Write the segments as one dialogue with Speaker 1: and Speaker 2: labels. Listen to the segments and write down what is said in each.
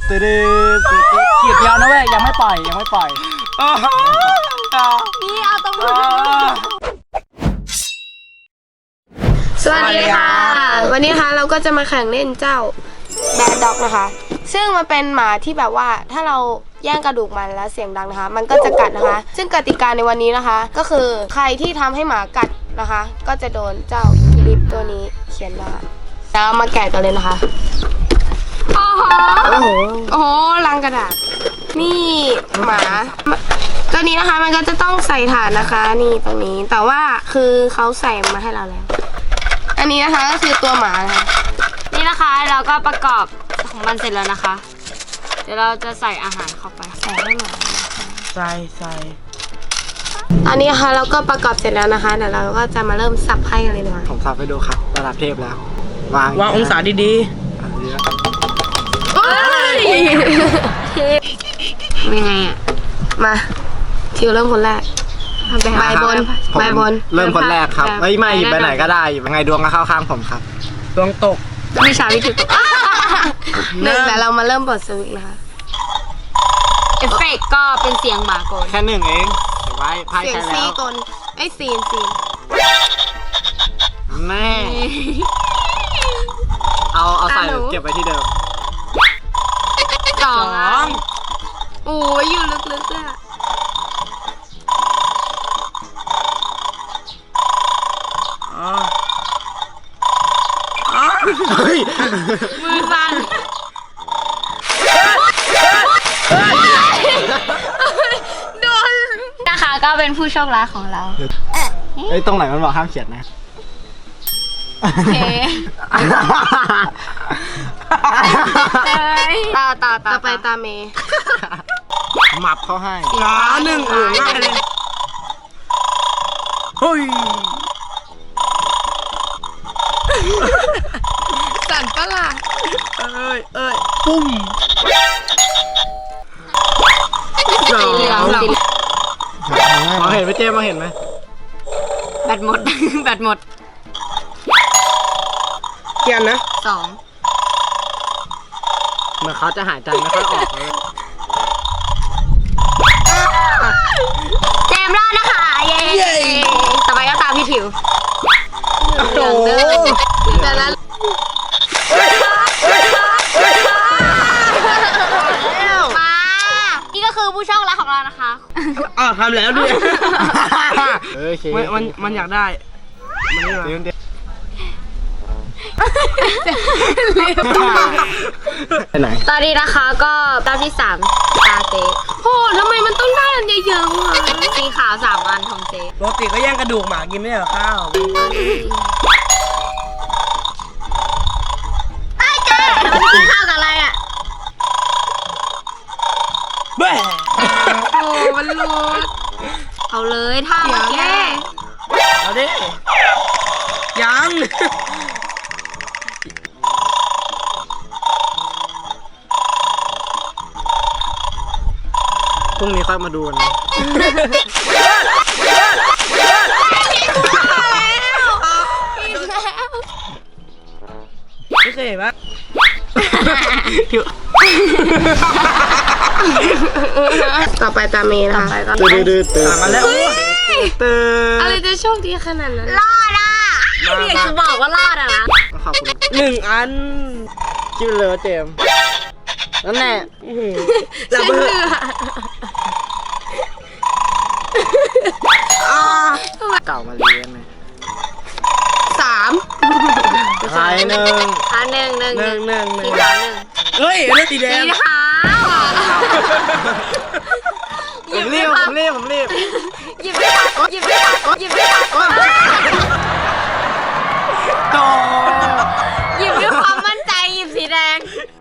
Speaker 1: ขีดเดียวนะเว้ยยังไม่ปล่อยยังไม่ปล่อย
Speaker 2: นี่เอาตรงนู้นสวัสดีค่ะวันนี้นะคะเราก็จะมาแข่งเล่นเจ้าแบดด็อกนะคะซึ่งมันเป็นหมาที่แบบว่าถ้าเราแย่งกระดูกมันแล้วเสียงดังนะคะมันก็จะกัดนะคะซึ่งกติกาในวันนี้นะคะก็คือใครที่ทำให้หมากัดนะคะก็จะโดนเจ้าลิปตัวนี้เขียนว่าแล้วมาแกะกันเลยนะคะโอ้โหลังกระดาษนี่หมาตัวนี้นะคะมันก็จะต้องใส่ฐานนะคะนี่ตรงนี้แต่ว่าคือเขาใส่มาให้เราแล้วอันนี้นะคะก็คือตัวหมานะคะ
Speaker 3: นี่นะคะเราก็ประกอบของมันเสร็จแล้วนะคะเดี๋ยวเราจะใส่อาหารเข้าไป
Speaker 2: ใส่ให้หมา
Speaker 1: ใส่
Speaker 2: ตอนนี้นะคะเราก็ประกอบเสร็จแล้วนะคะเดี๋ยวเราก็จะมาเริ่มสับไพ่กันเลยนะคะ
Speaker 1: ผมสับไปดูครับระดับเทพแล้ววางองศาดี
Speaker 2: ๆยังไงอ่ะมาทิวเริ่มคนแรกใบบน
Speaker 1: เริ่มคนแรกครับไม่หยิบไปไหนก็ได้หยิบยังไงดวงก็เข้าข้างผมครับดวงตก
Speaker 2: มีชาวิธีตกหนึ่งแต่เรามาเริ่มบทสวิตนะคะ
Speaker 3: เอฟเฟกต์ก็เป็นเสียงหมาโกน
Speaker 1: แค่หนึ่งเองเดี๋ยวไว้ไพ่ใช้แล้ว
Speaker 2: เสียงซีกลไอ้ซีน
Speaker 1: แม่เอาใส่เก็บไว้ที่เดิม
Speaker 2: สองโอ้ยอยู่ลึกๆอ่ะ
Speaker 1: เฮ้ย
Speaker 3: มือสั่นโดนนะคะก็เป็นผู้โชคร้ายของเรา
Speaker 1: ตรงไหนมันบอกห้ามเขียนนะ
Speaker 3: โอเคต่อ
Speaker 2: ไปตาเมย์
Speaker 1: หมับเขาให้
Speaker 2: หนึ่งง่ายเลย
Speaker 1: เฮ้ย
Speaker 2: สั่นปะล่ะ
Speaker 1: ปุ้ม
Speaker 3: สีเหลือง
Speaker 1: มองเห็นไหมเจมมองเห็นไหม
Speaker 3: แบตหมดแบตหมด
Speaker 2: เกียนนะ
Speaker 3: สอง
Speaker 1: เหมือนเขาจะหายใจไม่ค่อยออกเลย
Speaker 3: เจมรอดนะคะเย้ต่อไปก็ตามพี่ถิว
Speaker 2: เหลืองเดิมแต่ละ
Speaker 3: มานี่ก็คือผู้โชคร้ายของเรานะคะ
Speaker 1: ทำแล้วด้วย
Speaker 2: มันอยากได้
Speaker 1: ไปไหน
Speaker 3: ตอนนี้นะคะก็รอบที่3ตาเจ๊
Speaker 2: โหทำไมมันต้องได้อันเยอะๆวะ
Speaker 3: สีขาว3อันของเจ๊
Speaker 1: ปกติก็แย่งกระดูกหมากินไม่เหรอข้าว
Speaker 3: ไอ้เจ๊มันกินข้าวกับอะไรอ่ะ
Speaker 1: เบ้
Speaker 2: โอ้มันหลุด
Speaker 3: เอาเลยท่าเมื่อกี้
Speaker 1: เอาดิยังพรุ่งนี้ค่อยมาดูนะไม่เคยเห็นปะ
Speaker 2: ต่อไปตาเมย์นะคะ
Speaker 1: ตื่นมาแล้วตื่น
Speaker 2: อะไรจะโชคดีขนาดนั้น
Speaker 3: รอดอ่ะอยากจะบอกว่ารอดอ่ะนะ
Speaker 1: ขอบคุณ1 อันคิดเลยว่าเจมนั่นแหละระเบิดเก่ามาเรียนไหม
Speaker 2: 3
Speaker 1: ใช่1
Speaker 3: 1สีขาว1
Speaker 1: เฮ้ยเลือดสีแดง
Speaker 3: สีขาว
Speaker 1: ผมรีบ
Speaker 3: หยิบไม่ทัน
Speaker 1: ต่อ
Speaker 3: หยิบด้วยความมั่นใจหยิบสีแดง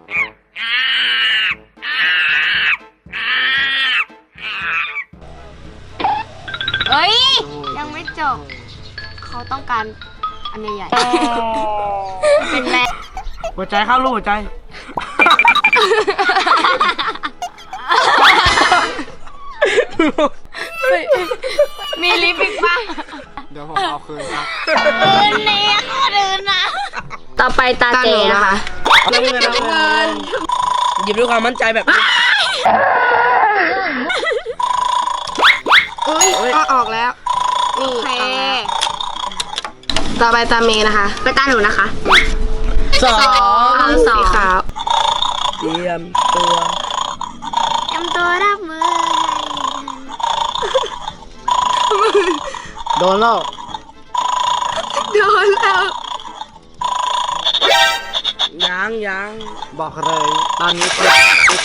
Speaker 3: เฮ้ยยังไม่จบเขาต้องการอันใหญ่ๆเป็นแม่
Speaker 1: หัวใจเข้าลูกหัวใจ
Speaker 3: มีลิปอีกป่ะ
Speaker 1: เดี๋ยวผมเอาคืนครับ
Speaker 3: เนี่ยก็เดินนะต่อไปตาเจนะคะ
Speaker 1: น้ำเงินหยิบด้วยความมั่นใจแบบ
Speaker 2: อุ้ยก็ออกแล้ว นี่
Speaker 3: โอเค
Speaker 2: ต่อไปตามเมย์นะคะ
Speaker 3: ไปตาหนูนะคะ
Speaker 1: สอง
Speaker 2: สีขาว
Speaker 1: เตรียมตัว
Speaker 3: เตรียมตัวรับมือ
Speaker 1: โดนแล้ว
Speaker 2: โดนแล้ว
Speaker 1: ยังบอกเลยตอนนี้เจ็บ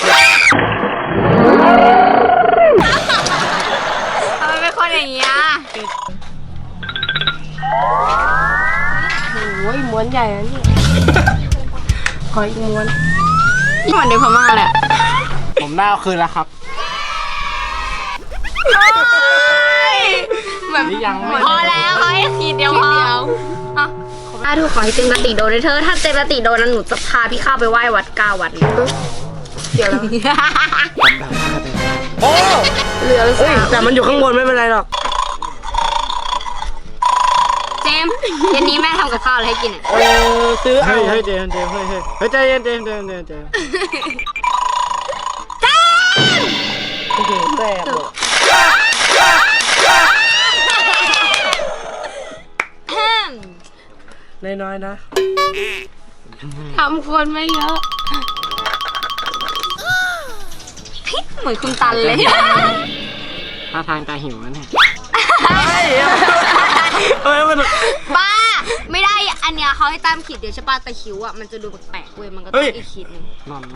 Speaker 3: ทำไมเป็นคนอย่างเงี้ย
Speaker 2: โอ้ยม้วนใหญ่แล้วนี่ ขออีกม้วน
Speaker 3: เหมือนเด็กพม่าแหละ
Speaker 1: ผมได้เอาคืนแล้วครับ
Speaker 3: แบบ
Speaker 1: นี่ยังไม่
Speaker 3: พอแล้วเขาให้ขีดเดียวพออ่ะถ้าถูกขอให้เจมส์ติโดนเลยเธอ ถ้าเจมส์ติโดนนั้นหนูจะพาพี่ข้าไปไหว้วัด9 วัด
Speaker 2: เดี๋ยวแล้ว
Speaker 1: โอ้
Speaker 2: เหลือ
Speaker 1: เอ้ย
Speaker 2: 3
Speaker 1: แต่มันอยู่ข้างบนไม่เป็นไรหรอก
Speaker 3: เจมส์เย็นนี้แม่ทำกับข้าวอะไรให้กินอ่ะ
Speaker 1: ซื้อเอา
Speaker 4: เฮ้ยเจมส์เฮ้ยใจเย็นเจมส์
Speaker 1: โอ้โหแตกหมดน้อยๆนะ
Speaker 2: ทำคนไม่เยอะ
Speaker 3: เหมือนคุณตันเลย
Speaker 4: ท่าทางตาหิวนะเนี่ย
Speaker 1: เฮ้ยมัน
Speaker 3: ป้า ไม่ได้ อันเนี้ยเขาให้ตามขีดเดียวใช่ป่ะแต่คิ้วอ่ะมันจะดูแปลกๆเว้ย มันก็ต้องอีกขีดหนึง
Speaker 4: นอน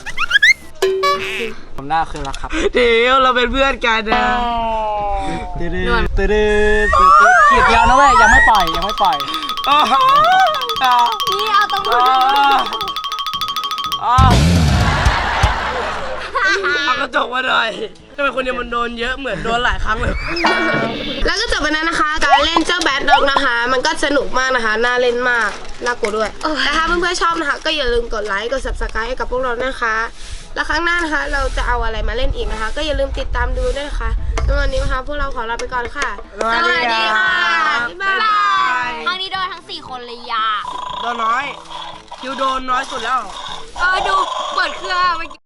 Speaker 4: ผมได้เอาคืนแล้วครับ
Speaker 1: เดี๋ยวเราเป็นเพื่อนกันนะ
Speaker 4: ตื้อขีดเดียวนะเว้ยยังไม่ปล่อย
Speaker 1: อ๋อ
Speaker 3: นี่เอาตรงมือ
Speaker 1: เอากระจกมาหน่อยทำไมคนเดียวมันโดนเยอะเหมือนโดนหลายครั้งเลย
Speaker 2: แล้วก็จบไปแล้วนะคะ การเล่นเจ้าแบดด็อกนะคะ มันก็สนุกมากนะคะ น่าเล่นมาก น่ากลัวด้วยแต่ถ้าเพื่อนๆชอบนะคะ ก็อย่าลืมกดไลค์ กด subscribe ให้กับพวกเรานะคะ แล้วครั้งหน้านะคะ เราจะเอาอะไรมาเล่นอีกนะคะ ก็อย่าลืมติดตามดูด้วยนะคะแล้ววันนี้นะคะ พวกเราขอลาไปก่อนค่ะ
Speaker 1: สวัสดีค่ะ
Speaker 2: บ๊ายบาย
Speaker 3: ครั้งนี้โดนทั้ง 4 คนเลยยา
Speaker 1: โดนน้อยคิวโดนน้อยสุดแล้ว
Speaker 3: ดู เปิดเครื่องเมื่อกี้